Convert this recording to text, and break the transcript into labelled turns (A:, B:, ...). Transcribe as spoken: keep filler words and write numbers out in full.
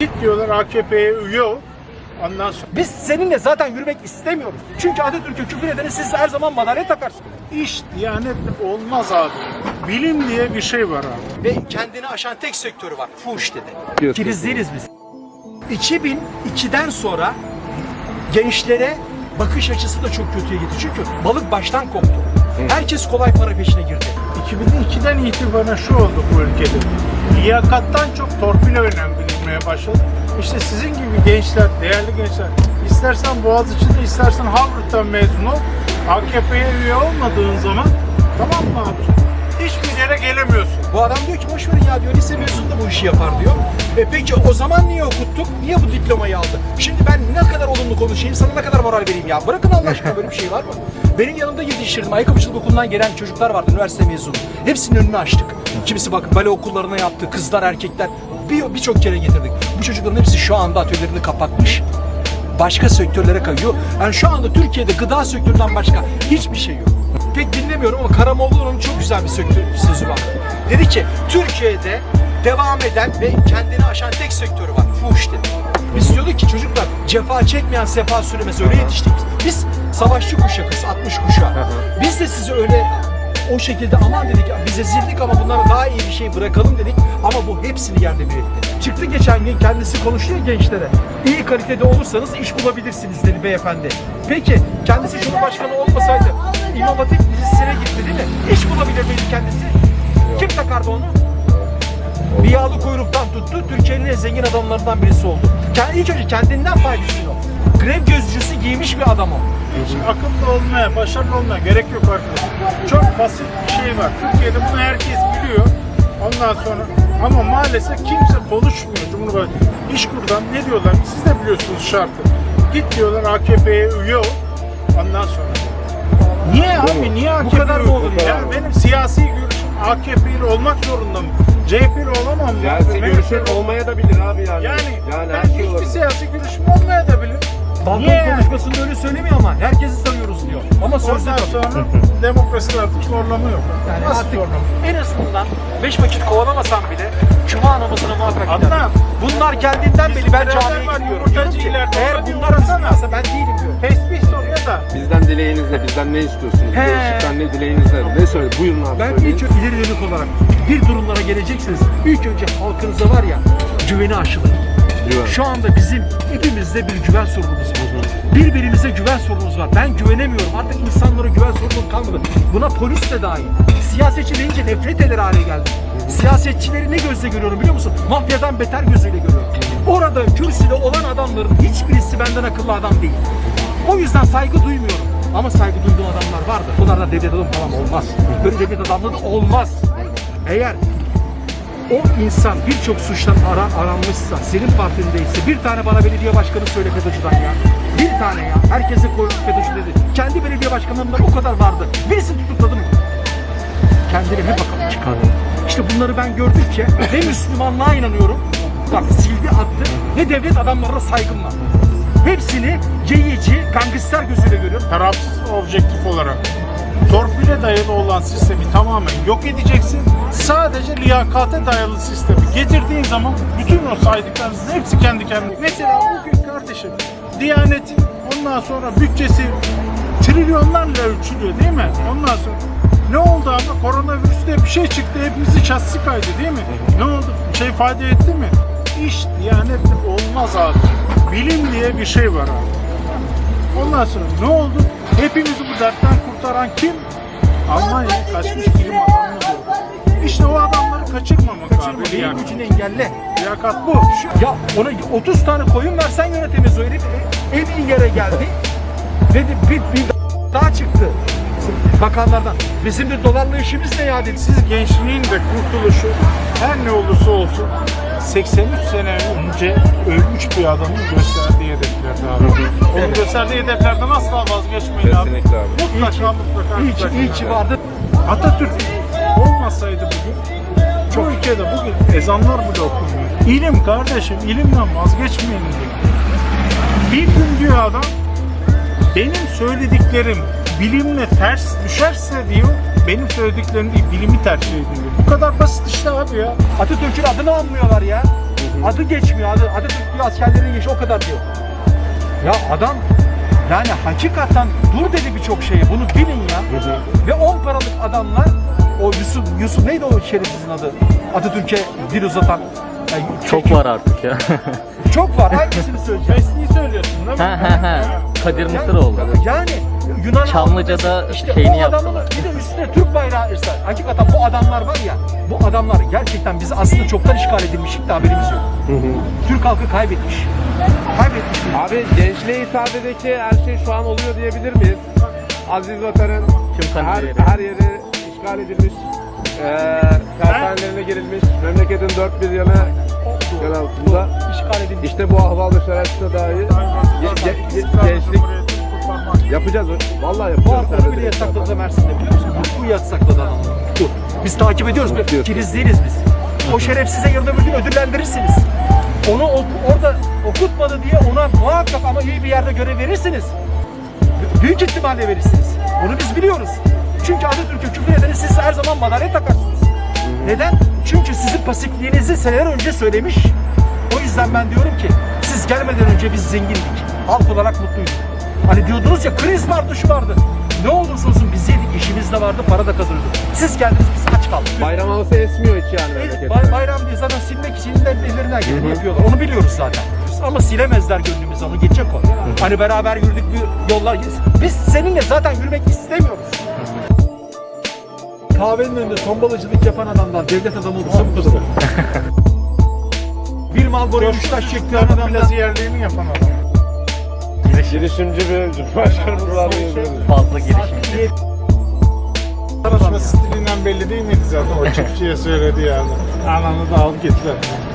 A: Git diyorlar A K P'ye üye ol. Ondan sonra
B: Biz seninle zaten yürümek istemiyoruz. Çünkü Atatürk'e küfür edeni siz her zaman madalya takarsınız.
A: iş diyanet olmaz abi. Bilim diye bir şey var abi.
B: Ve kendini aşan tek sektörü var. Fuhuş dedi.
C: Diyorsun.
B: Filizleriz biz. iki bin ikiden sonra gençlere bakış açısı da çok kötüye gitti. Çünkü balık baştan koptu. Herkes kolay para peşine girdi.
A: iki bin ikiden itibaren şu oldu bu ülkede. Liyakattan çok torpil önem bilinmeye başladı. İşte sizin gibi gençler, değerli gençler, istersen Boğaziçi'nde, istersen Harvard'dan mezun ol, A K P'ye üye olmadığın zaman, tamam mı abi? Hiçbir yere gelemiyorsun.
B: Bu adam diyor ki boş verin ya diyor, lise mezunu da bu işi yapar diyor. E peki o zaman niye okuttuk? Niye bu diplomayı aldı? Şimdi ben ne kadar olumlu konuşayım, sana ne kadar moral vereyim ya? Bırakın Allah aşkına, böyle bir şey var mı? Benim yanımda yetiştirdim. Ayakkabıcılık okulundan gelen çocuklar vardı, üniversite mezunu. Hepsinin önünü açtık. Kimisi bak bale okullarına yaptı, kızlar, erkekler. Bir birçok kere getirdik. Bu çocukların hepsi şu anda atölyelerini kapatmış. Başka sektörlere kayıyor. Yani şu anda Türkiye'de gıda sektöründen başka hiçbir şey yok. Pek dinlemiyorum ama Karamollaoğlu'nun çok güzel bir sektör sözü var. Dedi ki Türkiye'de devam eden ve kendini aşan tek sektörü var. Fuhuş dedi. Biz diyorduk ki çocuklar cefa çekmeyen sefa sürmez, öyle yetiştik. Biz savaşçı kuşakız, altmış kuşağı. Biz de sizi öyle o şekilde aman dedik, biz ezildik ama bunlara daha iyi bir şey bırakalım dedik. Ama bu hepsini yerle bir etti. Çıktı geçen gün, kendisi konuşuyor gençlere. İyi kalitede olursanız iş bulabilirsiniz dedi beyefendi. Peki kendisi Cumhurbaşkanı olmasaydı İmam Hatip Lisesi'ne gitti değil mi? İş bulabilir miydi kendisi? Kim takardı onu? Bir yağlı kuyruktan tuttu, Türkiye'nin en zengin adamlarından birisi oldu. Kendi, ilk önce kendinden faydasını o. Grev gözcüsü giymiş bir adam o.
A: Hiç akıllı olmaya, başarılı olmaya gerek yok arkadaşlar. Çok basit bir şey var. Türkiye'de bunu herkes biliyor. Ondan sonra ama maalesef kimse konuşmuyor. Cumhurbaşkanı İşkur'dan ne diyorlar? Siz de biliyorsunuz şartı. Git diyorlar A K P'ye üye ol. Ondan sonra. Niye abi? Niye A K P'li?
B: Bu kadar mı olur ya?
A: Yani benim siyasi görüşüm A K P'li olmak zorunda mı? C H P'li olamam mı?
C: Siyasi
A: M H P'li
C: görüşün olmaya da bilir abi yani.
A: Yani,
C: yani
A: ben
C: her şey
A: hiçbir
C: olabilir.
A: siyasi görüşüm olmaya da bilir.
B: Balkon
A: Niye yani?
B: konuşmasında öyle söylemiyor ama herkesi sayıyoruz diyor. Ama sözde
A: Ondan
B: tabii.
A: sonra demokrasinin artık zorlama yok.
B: Yani
A: Nasıl
B: artık
A: zorlama?
B: en azından beş vakit kovalamasam bile cuma namazına muhakkak
A: Adnan,
B: giderim. Bunlar geldiğinden beri ben
A: beraber
B: camiye
A: var,
B: gidiyorum.
A: yumurtacı
B: Diyorum ki,
A: ileride,
B: eğer
A: ona
B: bunlar
A: diyorlar sana.
B: Müslümansa ben değilim diyor.
A: Tesbih soruyor da.
C: Bizden dileğiniz ne? Bizden ne istiyorsunuz?
B: He.
C: Gençlikten ne dileğiniz ne? Ne söyle? Buyurun abi
B: Ben
C: söyleyin.
B: ilk ileri dönük olarak bir durumlara geleceksiniz. İlk önce halkınıza var ya güveni aşılayın.
C: Güven.
B: Şu anda bizim hepimizde bir güven sorunumuz var. Birbirimize güven sorunumuz var. Ben güvenemiyorum. Artık insanlara güven sorunum kalmadı. Buna polis de dahil. Siyasetçi deyince nefret eder hale geldi. Siyasetçileri ne gözle görüyorum biliyor musun? Mafyadan beter gözüyle görüyorum. Orada kürsüde olan adamların hiçbirisi benden akıllı adam değil. O yüzden saygı duymuyorum. Ama saygı duyduğum adamlar vardır. Bunlardan devlet adamı falan olmaz. Böyle devlet adamlığı da olmaz. Eğer o insan birçok suçtan ara, aranmışsa, senin partindeyse bir tane bana belediye başkanı söyle FETÖ'cüden ya. Bir tane ya. Herkese koymuş FETÖ'cü dedi. Kendi belediye başkanlarından o kadar vardı. Birisini tutukladım mı? Kendilerine bakalım çıkardım. İşte bunları ben gördükçe ne Müslümanlığa inanıyorum. Bak sildi attı. Ne devlet adamlarına saygım var. Hepsini ceyici, gangster gözüyle görüyorum.
A: Tarafsız ve objektif olarak torpile dayalı olan sistemi tamamen yok edeceksin. Sadece liyakate dayalı sistemi getirdiğin zaman bütün o saydıklarınızın hepsi kendi kendine. Mesela bugün kardeşim Diyanet'in ondan sonra bütçesi trilyonlarla ölçülüyor değil mi? Ondan sonra ne oldu ama koronavirüste bir şey çıktı, hepimizi şahsi kaydı değil mi? Ne oldu? Bir şey fayda etti mi? İş Diyanet'le olmaz abi. Bilim diye bir şey var abi. Ondan sonra ne oldu? Hepimizi bu dertten kurtaran kim? Almanya'ya kaçmış bilim adamımız oldu. İşte o adamları kaçırmamak
B: Kaçırma,
A: abi.
B: beyin
A: Yani.
B: gücünü engelle.
A: Liyakat bu.
B: Ya ona otuz tane koyun versen yönetemez o herif. En iyi yere geldi. Dedi bir, bir daha çıktı. Bakanlardan. Bizim de dolarla işimiz ne ya dedi.
A: Siz gençliğin de kurtuluşu her ne olursa olsun seksen üç sene önce ölmüş bir adamın gösterdiği hedeflerde abi. Onun gösterdiği hedeflerden asla vazgeçmeyin abi.
C: Kesinlikle abi.
A: Mutlaka mutlaka.
B: İyi ki, iyi ki vardı.
A: Atatürk olmasaydı bugün çoğu ülkede bugün ezanlar bile okunmuyor. İlim kardeşim, ilimden vazgeçmeyin diyor. Bir gün diyor adam, benim söylediklerim bilimle ters düşerse diyor, benim söylediklerim değil, bilimi tercih ediyor. Bu kadar basit işte abi ya.
B: Atatürk'ün adını anmıyorlar ya. adı geçmiyor. Adı, Atatürk diyor, askerlerin yaşı o kadar diyor. Ya adam yani hakikaten dur dedi birçok şeye. Bunu bilin ya. Ve on paralık adamlar, o Yusuf, Yusuf neydi o şerefsizin adı? Atatürk'e dil uzatan. Yani
D: Çok var artık ya.
B: Çok var. Hangisini söyleyeceğim?
A: Mesleği söylüyorsun değil mi?
D: Ha ha ha. Kadir Mısıroğlu.
B: Yani Yunan
D: Çamlıca'da
B: işte
D: şeyini
B: o adamın
D: yaptılar.
B: bir de üstüne Türk bayrağı irsa. Hakikaten bu adamlar var ya, bu adamlar gerçekten bizi aslında çoktan işgal edilmiştik de haberimiz yok. Türk halkı kaybetmiş. Kaybetmiş.
C: Abi gençliğe hitabedeki her şey şu an oluyor diyebilir miyiz? Aziz Vatan'ın
D: Tüm
C: her,
D: kaleleri.
C: her yeri işgal edilmiş, eee tersanelerine girilmiş, memleketin dört bir yanı yer altında.
B: İşgal edilmiş.
C: İşte bu ahval-ı şerefte dahi ge- ge- ge- gençlik yapacağız. Vallahi
B: Bu
C: yapacağız.
B: hafta bile yasakladı Mersin'de, biliyor musun? Bu yasakladı adamı. Dur. Biz takip ediyoruz.
C: Tutuyoruz.
B: Kiriz değiliz biz. O şerefsize yarın öbür gün ödüllendirirsiniz. Onu oku- orada okutmadı diye ona muhakkak ama iyi bir yerde görev verirsiniz. B- Büyük ihtimalle verirsiniz. Bunu biz biliyoruz. Çünkü Atatürk'e küfür edeni siz her zaman madalya takarsınız. Neden? Çünkü sizin pasifliğinizi seneler önce söylemiş. O yüzden ben diyorum ki siz gelmeden önce biz zengindik. Halk olarak mutluyduk. Hani diyordunuz ya, kriz vardı, şu vardı. Ne olursa olsun biz yedik, işimiz de vardı, para da kazanıyorduk. Siz geldiniz, biz aç kaldık.
C: Bayram havası esmiyor hiç yani
B: Biz
C: memlekette.
B: bay- bayram diye zaten silmek için de ellerinden geleni yapıyorlar. Onu biliyoruz zaten. Ama silemezler gönlümüzü, onu geçecek o. Hani beraber yürüdük bir yollar. Biz seninle zaten yürümek istemiyoruz. Kahvenin önünde tombalacılık yapan adamdan devlet adamı olursa bu kadar. Bir mal boyu üç taş çektiği adamdan
A: Plaza yerliğini yapan adam.
C: Girişimci bir cumhurbaşkanımız var diyebiliriz.
D: Fazla girişimci.
A: Konuşma stilinden belli değil miydi zaten o çiftçiye söyledi yani. Ananı da al git lan.